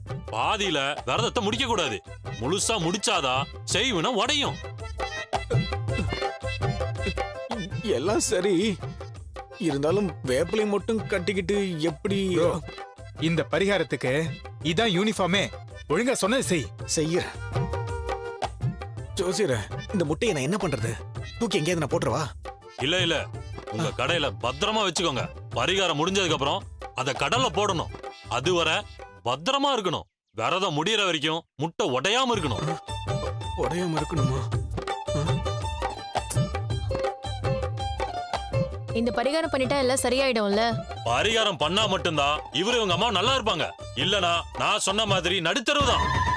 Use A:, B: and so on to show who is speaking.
A: பாதியில விரதத்தை முடிக்க கூடாது. முழுசா முடிச்சாதான் செய்வினம் உடையும்.
B: எல்லாம் சரி, இருந்தாலும் வேப்பிலை மட்டும் கட்டிக்கிட்டு எப்படி
C: இந்த பரிகாரத்துக்கு இதான் யூனிஃபார்மே. ஒழுங்கா சொன்னது செய்.
B: செய்ய ஜோசியர, இந்த முட்டையை நான் என்ன பண்றது? தூக்கி எங்கேயாவது நான் போட்டுருவா?
A: இல்ல இல்ல, உங்க கடையில பத்திரமா வச்சுக்கோங்க. பரிகாரம் முடிஞ்சதுக்கு அப்புறம் அத கடல்ல போடணும். அதுவரை பத்திரமா இருக்கணும். விரதம் முடியற வரைக்கும் முட்டை உடையாம இருக்கணும்.
B: உடையாம இருக்கணுமா?
D: இந்த பரிகாரம் பண்ணிட்டா எல்லாம் சரியாயிடும்ல?
A: பரிகாரம் பண்ணா மட்டும்தான் இவரு இவங்க அம்மா நல்லா இருப்பாங்க. இல்லனா நான் சொன்ன மாதிரி நடுத்தருவுதான்.